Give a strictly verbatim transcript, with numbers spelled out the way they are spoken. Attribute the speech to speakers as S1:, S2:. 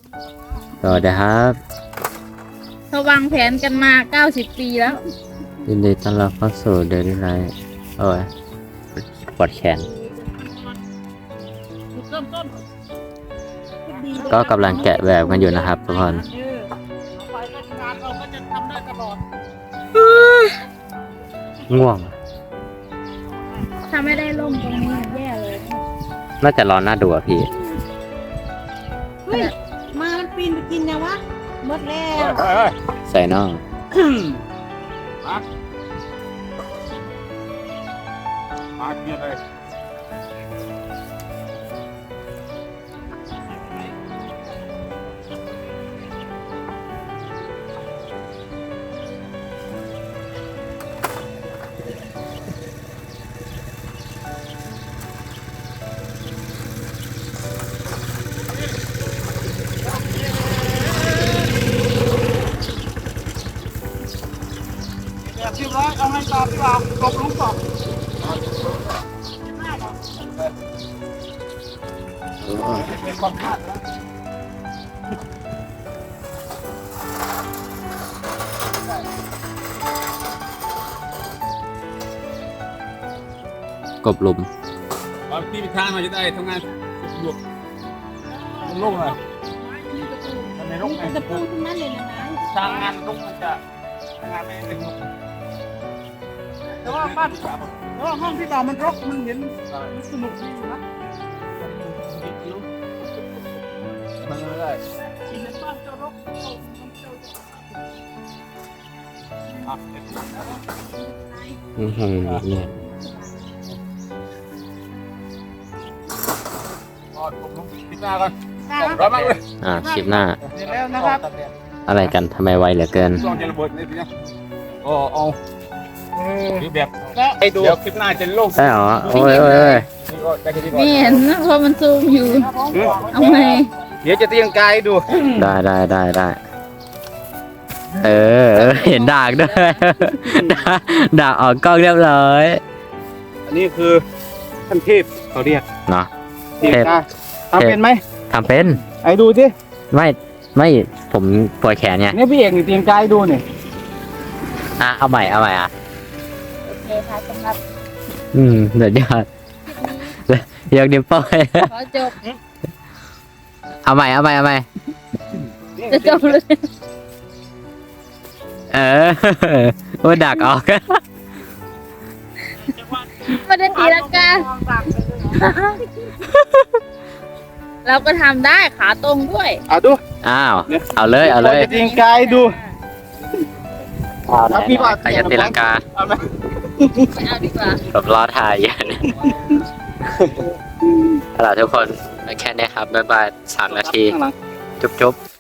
S1: สวัสดีครับ
S2: เขาวางแผนกันมาเก้าสิบปีแล้ว
S1: ยินดีต้อนรับเข้าสู่เดลี่ไลท์โอ้ยปวดแขนก็กำลังแกะแบบกันอยู่นะครับทุกคนง่วง
S2: ถ้าไม่ได้ล่มตรงนี้แย่เลย
S1: น่าจะร้อนน่าดูอ่ะพี่
S3: เฮ้ยมามันปีนไปกินนะวะหมดแล้ว
S1: ใส่น่อง
S4: มาเกียร์เลยเรียบร้อยเอาให้ตอบดีกว่ากบลุงก่อนเป็นความพลาดแล้ว
S1: กบหลุม
S4: เอาที่ไปทางหน่อยจะได้ทำงานสะดวกโล่งเลยทำไมโล่งไง
S3: จะปูทั้งนั้นเลยนะนะ
S4: ทางงานโล่งมันจะทางงานไม่เป็นโล่งแต่ว่าบ้านแต่ว่าห้องที่เรามันรกมันเห็นมันสนุกดีอยู่นะมันไม่ได้ที่ในบ้านจะรกอ่ะ
S1: อือหือเนี่ย
S4: อ๋อผมลงติดหน้าก่อนร้อนมากเลย
S1: อ่าคลิปหน้า
S4: เสร็จแล้วนะครับ
S1: อะไรกันทำไมไวเหลือเกิน
S4: ลองจะระเบิดนี่สินะโอ้เอาหรือแบบให้ดูเดี๋ยวคลิปหน้าจะโล่ง
S1: ใช่เหรอ โอ้ยโอ้ยโอ้ย
S4: นี่ก็ได้แค่นี้ก่อน
S2: ไม่เห็นนะเพราะมันซูมอยู่ เอาไง
S4: เดี๋ยวจะเตียงกายดู
S1: ได้ได้ได้ได้เออเออ เห็นดากด้วย ดากดากออกกล้องเรียบร้อย
S4: อันนี้คือท่านเทพเขาเรียก
S1: เนาะ
S4: เตียงกายทำเป็นไหม
S1: ทำเป็น
S4: ไอ้ดูสิ
S1: ไม่ไม่ผมปวดแขนไง
S4: เนี่ยพี่เอกนี่เตียงกายดูเนี่ย
S1: อ่ะเอาใหม่เอาใหม่อ่ะ
S2: โอเคค่ะสำหรับ
S1: อืมเดี๋ยวยอดเดี๋ยกนิ้วโป้ย
S2: ขอจบ
S1: เอาใหม่เอาใหม่เอาใหม่
S2: จะจบเลย
S1: เออโอ้ดักออก
S2: ไม่ได้ตีลังกาเราก็ทำได้ขาตรงด้วย
S4: เอาดู
S1: อ้าวเอาเลยเอาเลย
S4: เตียงกายดู
S1: เอาไหนใครจะตีลังกา
S4: เอาไหม
S2: ไม่เอาดีกว่า
S1: ผมรอถ่ายอยู่เนี่ยเอาล่ะทุกคนแค่นี้ครับบ๊ายบายสามนาที
S4: ข้างหลัง
S1: จุ๊บจุ๊บ